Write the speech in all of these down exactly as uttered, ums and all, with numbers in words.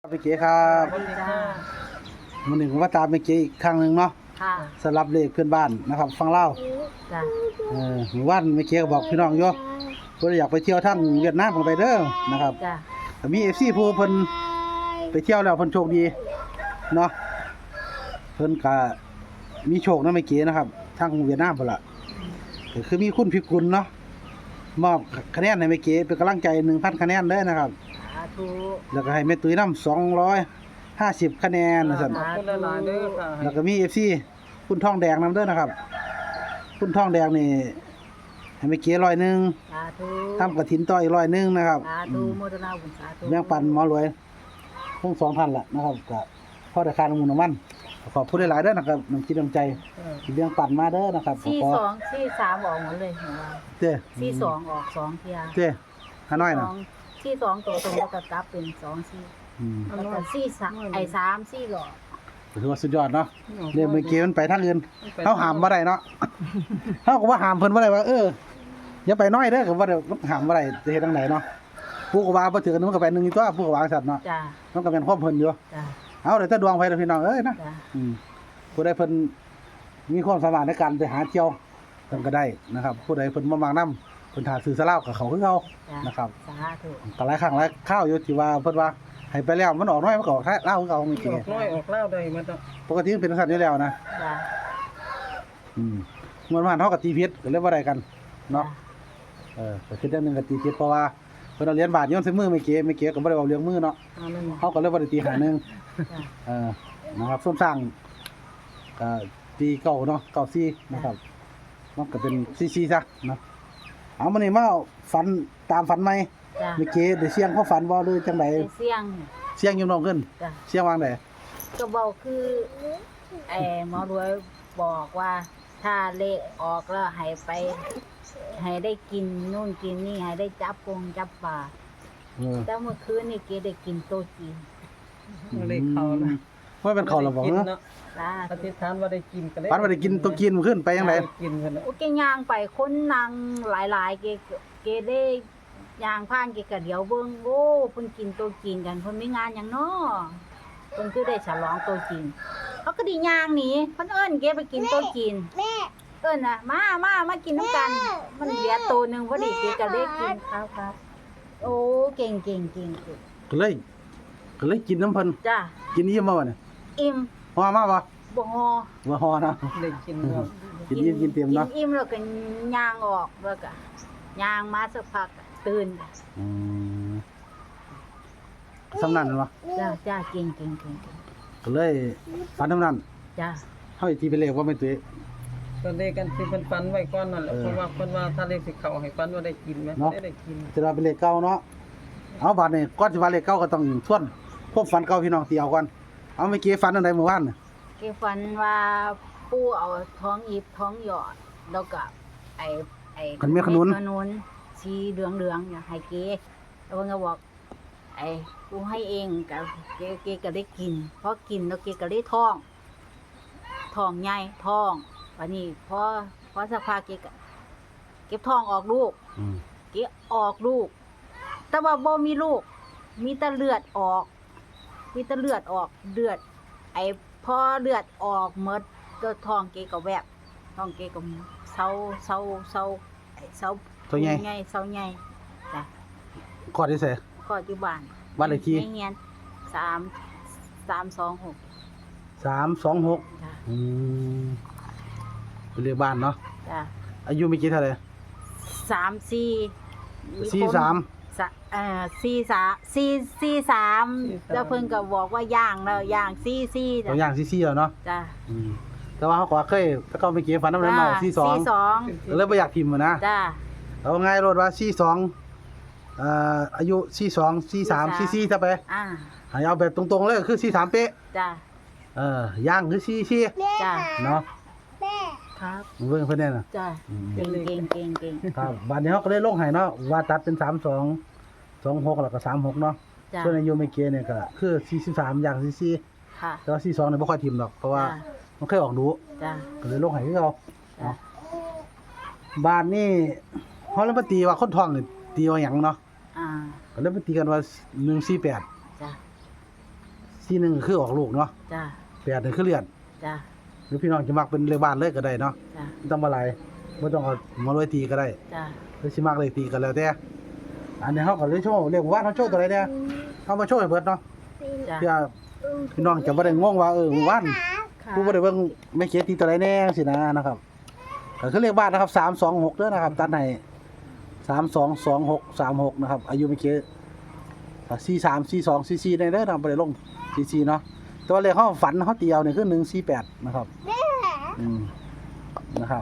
ไปเก๋ครับสวัสดีจ้าวันหนึ่งผมว่าตามไปเก๋อีกครั้งหนึ่งเนาะค่ะสำหรับเลขเพื่อนบ้านนะครับฟังเล่าจ้าเออหมู่บ้านไปเก๋ก็บอกพี่น้องโยเพิ่นอยากไปเที่ยวทางเวียดนามกันไปเด้อนะครับจ้าแต่มี เอฟ ซี ผู้เพิ่นไปเที่ยวแล้วเพิ่นโชคดีเนาะเพิ่นก็มีโชคนำไปเก๋นะครับทางเวียดนามพุ่นล่ะก็คือมีคุณพิกุลเนาะมอบคะแนนให้แม่เก๋เป็นกำลังใจ หนึ่งพัน คะแนนเด้อนะครับสาธุแล้วก็ให้แม่ตุ้ยนำสองร้อยห้าสิบคะแนนนะซั่นขอบคุณหลายๆเด้อค่ะแล้วก็มี เอฟ ซี คุณทองแดงนำเด้อนะครับ คุณทองแดงนี่ให้แม่เก๋ร้อยหนึงสาธุทำกฐินต่ออีกร้อยหนึงนะครับสาธุโมทนาบุญสาธุแบ่งปันหมอรวยทั้งสองท่านล่ะนะครับก็พอได้ค่าน้ำมันน้ำมันขอบคุณหลายๆเด้อนะครับน้ำจิตน้ำใจที่แบ่งปันมาเด้อนะครับขอสี่ขอสองสี่สามออกหมดเลยของเราเจ้สี่สองออกสองเทียเจ้ฮานอยสน่ะองสี่สองตัวตรงแล้วก็กลับเป็นสองสี่อืมแล้วก็สี่สามไอ้สามสี่หลอดถือว่าสุดยอดเนาะเรื่องเมื่อกี้มันไปทางอื่นเฮาห้ามบ่ได้เนาะเฮาก็ว่าห้ามเพิ่นบ่ได้ว่าเอออย่าไปน้อยเด้อก็บ่ได้มันห้ามบ่ได้จะเฮ็ดจังไดเนาะผู้ก็ว่าบ่ถือกันมันก็ไปหนึงอยู่ตัวผู้ก็ว่าจังซั่นเนาะจ้ามันก็เป็นความเพิ่นอยู่จ้าเอาเดี๋ยวถ้าดวงไฟพี่น้องเอ้ยนะจ้าอืมผู้ใดเพิ่นมีความสามารถในการไปหาเที่ยวเพิ่นก็ได้นะครับ ผู้ใดเพิ่นบ่มักนำเพิ่นถ้าซื้อสลากกับเขาคือเขาจ้านะครับสาธุก็หลายครั้งหลายข้าวอยู่ที่ว่าเพิ่นว่าให้ไปแล้วมันออกน้อยมันก็ออกท้ายลาวคือเขาไม่อเกี่อกน้อยออกเล่าได้มันต้องปกติมันเป็นสัตว์อยู่แล้วนะจ้าอืมมันว่าเฮากับตีพิษก็เลยบ่ได้กันเนาะเออก็คืออย่างหนึงก็ตีพิษเพราะว่าเพิ่นเอาเหรียญบาทโยนใส่มือไม่เก๋ไม่เก๋ก็บ่ได้เอาเรื่องมือเนาะอันนั้นเฮาก็เลยบ่ได้ตีหาหนึงจ้าเออนะครับส้มสร้างก็ตีเก่าเนาะเก่าซี่นะครับมันก็เป็นซี่ๆซะเนาะเอามานี่มาฝันตามฝันไหมจ้าเมื่อกี้ได้เสียงเขาฝันบ่หรือจังไดไอ้เสี่ยงเสียงอยังน้องขึ้นจ้าเสียงวางไดก็บอกคือไอ้หมอรวยบอกว่าถ้าเลขออกแล้วให้ไป ให้ได้กินนู่นกินนี่ให้ได้จับกงจับปลาเออแต่เมื่อคืนนี่เกได้กินโต๊ะจีนเลขเขานะว่าเป็นเขาแล้วบ่กินเนาะเนาะจ้าอธิษฐานว่าได้กินกันเลยฝันว่าได้กินตัวกินมื้อขึ้นไปจังไดกินกันนะโอเคย่างไปคนนางหลายๆเกเกได้ย่างผ่านเกก็เดี๋ยวเบิ่งโอ้เพิ่นกินโต๊ะจีนกันเพิ่นมีงานหยังน้อเพิ่นคือได้ฉลองโต๊ะจีนเขาก็ไดีย่างหนีเพิ่นเอิ้นเกไปกินโต๊ะจีนแม่เอิ้นน่ะมามามากินน้ำกัน มันเหลือโตวหนึงพอดีเกก็ได้กินครับครับโอ้เก่งเก่งเก่งเก่งก็เลยก็เลยกินน้ำเพิ่นจ้ากินอิ่มบ่วะเนี่ยอิ่มฮอมาบ่บ่ฮอบ่ฮอเนาะได้กินเนาะกินอิ่มกินเต็มเนาะกินอิ่มแล้วก็ย่างออกแล้วก็ย่างมาสักพักก็ตื่นอืมสำนันบ่จ้าจ้าเก่งเก่งเก่งเก่งก็เลยฝันสำนันจ้าเฮาสิตีเป็นเลขว่าแม่นตุ้ยตัวเลขกันที่เพิ่นฟันไว้ก่อนนั่นแหละเออเพราะว่าเพิ่นว่าถ้าเลขสิเข้าให้ฟันว่าได้กินไหมเนาะได้ได้กินจะว่าเป็นเลขเก่าเนาะเอาบัดนี้ก่อนสิว่าเลขเก่าก็ต้องทวนพวกฝันเก่าพี่น้องตีเอาก่อนเอาเมื่อกี้ฝันอันใดเมื่อวานน่ะเกฝันว่าปู่เอาท้องหยิบท้องหยอดแล้วก็ไอ้ไอ้ขันเมียขนุนขนุนสีเหลืองๆเนี่ยให้เกแล้วเพิ่นก็บอกไอ้ปู่ให้เองก็เกเกก็ได้กินพอกินแล้วเกก็ได้ท้องท้องใหญ่ท้องวันนี้พอพอสักพักเกก็เก็บท้องออกลูกอืมเกออกลูก แต่ว่าบ่มีลูก มีแต่เลือดออก มีแต่เลือดออกเลือด ไอ้พอเลือดออกหมดก็ท้องเกก็แวบท้องเกก็เซาเซาเซาไอ้เซาตัวใหญ่ใหญ่เซาใหญ่จ้ะข้อที่เสก็อยู่บ้านบ้านเลขที่ในเฮียนสามสามสองหกสามสองหกจ้ะอืมเป็นเลขบ้านเนาะจ้ะอายุเมื่อกี้เท่าไหร่สามสี่คนสี่สามสะเอ่อสี่สามสี่สี่สามแล้วเพิ่นก็บอกว่าย่างแล้วย่างสี่สี่ตัวอย่างซี่ๆแล้วเนาะจ้ะอืมแต่ว่าเขาก็เคยแต่ก็เมื่อกี้ฝันน้ำเงินเมาสี่สองสี่สองก็เลยบ่อยากพิมพ์อะนะจ้ะเอาง่ายรถว่าสี่สองเอ่ออายุสี่สองสี่สามสี่สี่ถ้าไปอ่าให้เอาแบบตรงๆเลยคือสี่สามเป๊ะจ้ะเออย่างคือสี่สี่จ้ะเนาะครับเบิ่งเพิ่นแน่น่ะจ้ะเก่งเก่งเก่งเก่งครับบัดนี้เขาก็เลยลงให้เนาะว่าตัดเป็นสามสอง สองหกแล้วก็สามหกเนาะจ้ะส่วนอายุเมื่อกี้เนี่ยก็คือสี่สิบสามอย่างสี่สี่ค่ะแต่ว่าสี่สองเนี่ยบ่ค่อยทิมหรอกเพราะว่าจ้ะมันเคยออกดูจ้ะก็เลยลงให้คือเขาจ้ะบ้านนี่เขาเลยมาตีว่าคนท้องนี่ตีว่าหยังเนาะอ่าก็เลยมาตีกันว่าหนึ่งสี่แปดจ้ะสี่หนึ่งคือออกลูกเนาะจ้ะแปดนี่คือเลื่อนจ้ะหรือพี่น้องจะมักเป็นเลขบ้านเลยก็ได้เนาะจ้ะไม่ต้องมาหลายบ่ต้องเอามาลอยตีก็ได้จ้ะหรือสิมักเลขตีก็แล้วแต่อันนี้เฮาก็เลยโชว์เลขว่าเฮาโชว์ตัวใดเนี่ยเฮามาโชว์ให้เบิดเนาะจ้ะเพื่อพี่น้องจะบ่ได้งงว่าเออหมู่บ้านค่ะผู้บ่ได้เบิ่งแม่เขียนตีตัวใดแน่สินะนะครับก็คือเลขบ้านนะครับสามสองหกเด้อนะครับตัดให้สามสองสองหกสามหกนะครับอายุแม่เขียนสี่สามสี่สองสี่สี่ได้เด้อนะครับบ่ได้ลงสี่สี่เนาะแต่ว่าเลขเฮาฝันเฮาเตียวนี่คือหนึ่งสี่แปดนะครับอืมนะครับ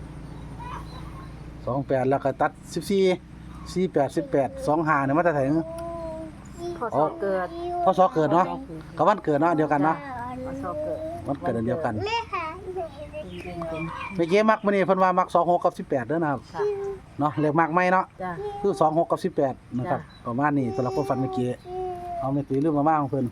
สองแปดแล้วก็ตัดสิบสี่สี่แปดสิบแปดสองห้าเนี่ยมาแต่ไสนพอสอบเกิดพศเกิดเนาะกับวันเกิดเนาะเดียวกันเนาะพอสอบเกิดวันเกิดอันเดียวกันจริงๆเมื่อกี้มักมื้อนี้เพิ่นว่ามักสองหกกับสิบแปดเด้อนะครับค่ะเนาะเลขมักใหม่เนาะจ้ะคือสองหกกับสิบแปดนะครับจ้ะประมาณนี้สำหรับคนฟันเมื่อกี้เอาไม่ตีเรื่องมาม่าของเพิ่น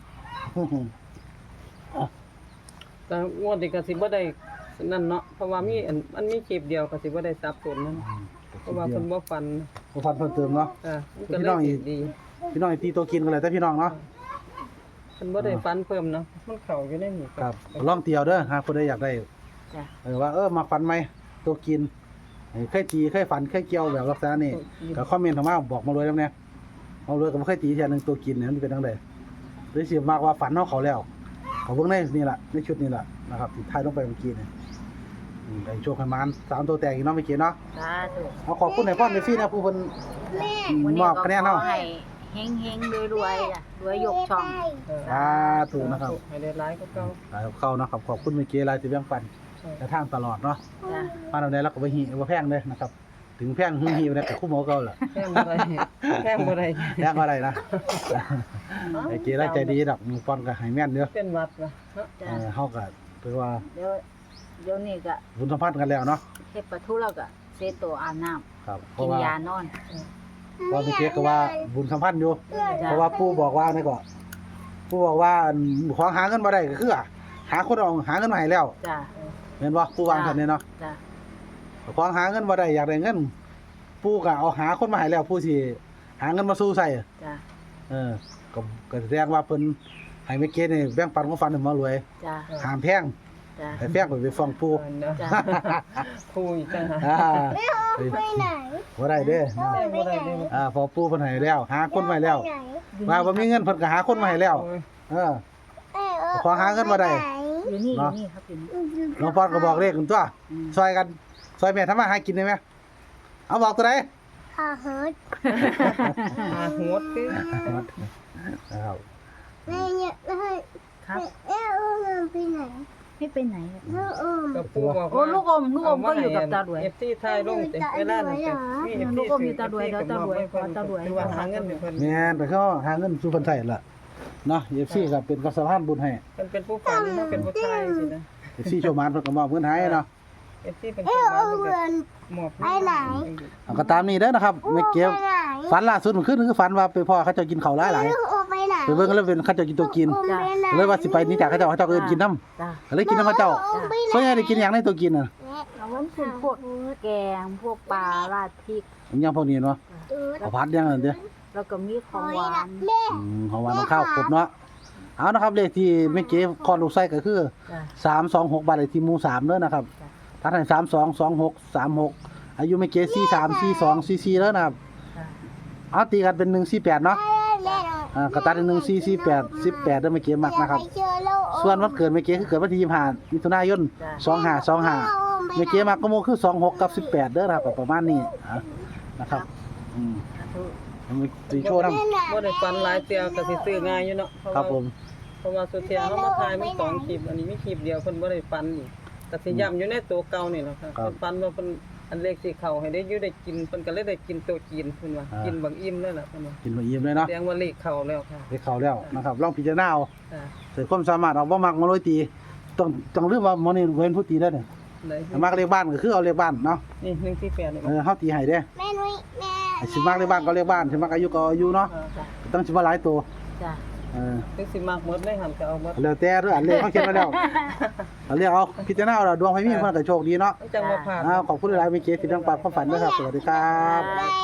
แต่งวดนี้ก็สิบ่ได้นั่นเนาะเพราะว่ามีอันมันมีคลิปเดียวก็สิบ่ได้สับสนนั่นเพราะว่าเพิ่นบ่ฟันบ่ฟันเพิ่มเติมเนาะอ่ามันก็พี่เลน้องยอีกดีพี่น้องให้ตีตัวกินกันเลยแต่พี่น้องเนาะเพิ่นบ่ได้ฟันเพิ่มเนาะมันเข้าอยู่ในหมู่ครับลองเตียวเด้อหากคนใดอยากได้จ้ะเออว่าเออมาฟันไหมตัวกินเออเคยตีเคยฟันเคยเกี่ยวแบบลักษณะนี้ก็คอมเมนต์เข้ามาบอกมาเลยแล้วเนี่ยเอาเลยก็บ่เคยตีเทียหนึงตัวกินเนี่ยมันเป็นจังไดหรือสิมากว่าฝันเฮาเขาแล้วเขาเบิ่งในนี่ล่ะในชุดนี้ล่ะนะครับที่ถ่ายลงไปเมื่อกี้เนี่ยอืมได้โชคให้มันสามตัวแตกอีกเนาะเมื่อกี้เนาะสาธุเอาขอบคุณให้พ่อในฟรีนะผู้เพิ่นวันมนี้อบก็คะแนนขอเนาะให้เฮงๆรวยๆจ้ะรวยยกช่องเออสาธุนะครับให้ได้หลายก็เก่าหลายเข้าเนาะครับขอบคุณเมื่อกี้หลายที่แบ่งปันใช่แต่ทางตลอดเนาะจ้ะมาเอาได้แล้วก็บ่ฮีบ่แพงเด้อนะครับ ถึงแพงหึงฮีได้ก็คู่หมอเก่าล่ะแพงบ่ได้แพงบ่ได้แพงบ่ได้นะไอ้เกล้าใจดีดอกมีป้อนก็ให้แม่นเด้อเป็นวัดว่ะเนาะเอจ้ะอเฮาก็ถือว่าเดี๋ยวเดี๋ยวนี้ก็บุญสัมพันธ์กันแล้วเนาะเฮ็ดปลาทูแล้วก็เซโตอาบน้ำครับเพกิราะนว่ายานอนเพราะเมื่อกี้ก็ว่าบุญสัมพันธ์อยู่จ้ะเพราะว่าปู่บอกว่าไงก็ปู่บอกว่าของหาเงินบ่ได้ก็คือหาคนเอาหาเงินมาให้แล้วจ้ะแม่นบ่ปู่วางซั่นเนี่ยเนาะจ้ะของหาเงินบ่ได้อยากได้เงินปู่ก็เอาหาคนมาให้แล้วปู่สิหาเงินมาสู้ใส่จ้ะเออก็ก็แสดงว่าเพิ่นให้เมื่อกี้นี่แบ่งปันของฟันให้หมารวยจ้ะห้ามแพงจ้ะให้แพงไปไปฟ้องปู่เออเนาะจ้ะคุยจังหาอ่าไปไหนบ่ได้เด้อแพงบ่ได้เด้ออ่าพอปู่เพิ่นให้แล้ว หาคนมาให้แล้วว่าบ่มีเงินเพิ่นก็หาคนมาให้แล้วโอ้ยเออ ขอหาเงินมาได้อยู่นี่อเนาะยู่นี่ครับอยู่นี่น้องปอนก็บอกเลขกันตัวอืมซอยกันซอยแม่ทำมาหากินได้ไหมเอาบอกตัวไหนหาเฮิร์ตหาโหดคือนะครับแม่เนี่ยแม่ครับแม่อุ้มมันไปไหนไม่ไปไหนอะแม่อุ้มกับปู่บอกโอ้ว่าลูกอมลูกอมก็อยู่กับตาดวยเอฟซีไทยลงแต่เวลานั้นมีเอฟลูซีกอมอยู่ตาดวยแล้วตาดวยขอตาดวยคือว่าหาเงินให้เพิ่นแม่นไปเขาหาเงินสู่คนไทยล่ะเนาะเอฟซีก็เป็นกสะพานบุญให้เพิ่นเป็นผู้ฟังเนาะเป็นผู้ชายสินะเอฟซีโชว์มานเพิ่นก็มอบเงินให้เนาะเอฟซีเป็นแม่คนบ้านอุ้มเพิ่นมันก็มอบไปไหนเอาก็ตามนี้เด้อนะครับไม่เก็บไปไหนฝันล่าสุดมันขึ้นคือฝันว่าไปพ่อเขาเจ้ากินข้าวหลายหลายแม่อุ้มไปไหนไปเบิ่งแล้วเป็นเขาเจ้ากินตัวกินอุ้มไปไหนเลยว่าสิไปหนี่จากเขาเจ้าเขาเจ้าก็เอิ้นกินน้ำจ้ะก็เลยกินน้ำเขาเจ้าอุ้มไปไหนส่วนใหญ่ได้กินอย่างในตัวกินน่ะเอาไว้คือพวกแกงพวกปลาราดพริกอย่างพวกนี้เนาะตูดข้าวผัดอย่างนั้นเด้อแล้วก็มีของหวานแม่อืมของหวานของข้าวครบเนาะเอานะครับเลขที่แม่เก๋คลอดลูกไส้ก็คือจ้ะสามสองหกบ้านเลขที่หมู่สามเด้อนะครับจ้ะถ้าถ่ายสามสองสองหกสามหกอายุไม่เกินสี่สามสี่สองสี่สี่แล้วนะครับจ้ะเอาตีกันเป็นหนึ่งสี่แปดเนาะแม่อ่ากระตัดหนึ่งสี่สี่แปดสิบแปดได้ไม่เกินมักนะครับเจอแล้วส่วนวันเกิดไม่เกินคือเกิดวันที่ยี่สิบห้ามิถุนายนจ้ะสองห้าสองห้าไม่เกินมักก็โมคือสองหกกับสิบแปดเด้อนะครับก็ประมาณนี้อ่ะนะครับอืมมีตีโชว์น้บ่ได้ฟันหลายเตียวก็สิซื้อง่ายอยู่เนาะเพราะำครับว่าผมเพราะว่าสุเทียเฮามาถ่ายมันสองคลิปอันนี้มีคลิปเดียวเพิ่นบ่ได้ฟันอีกก็สิย้ำอยู่ในตัวเก่านี่แหละค่ะเพิ่นฟันว่าเพิ่นอันเลขสิเข้าให้ได้อยู่ได้กินเพิ่นก็เลยได้กินตัวจีนเพิ่นว่ากินบางอิ่มเลยล่ะเพิ่นว่ากินมาเยี่ยมเลยเนาะแสดงว่าเลขเข้าแล้วค่ะไปเข้าแล้วนะครับลองพิจารณาเอาอ่าเสร็จความสามารถเอาบ่มักมาโรยตีต้องต้องเรื่องว่าหมอนี่เว้นผู้ตีได้เนี่ยได้มักเลขบ้านก็คือเอาเลขบ้านเนาะนี่หนึ่งสี่แปดนี่เออเฮาตีให้เด้แม่นุ้ยแม่ไอ้สิมักเลขบ้านก็เลขบ้านสิมักอายุก็อายุเนาะจ้ะต้องสิว่าหลายตัวจ้ะเออถึงสิมักหมดเลยหันก็เอาหมดแล้วแต่เด้ออันเลขเขาเขียนไว้แล้วเอาเลขเอาพิจารณาเอาล่ะดวงไผมีเพิ่นก็โชคดีเนาะจังบ่ผ่านอ้าวขอบคุณหลายๆเมื่อกี้ที่ทั้งปากความฝันด้วยครับสวัสดีครับจ้ะ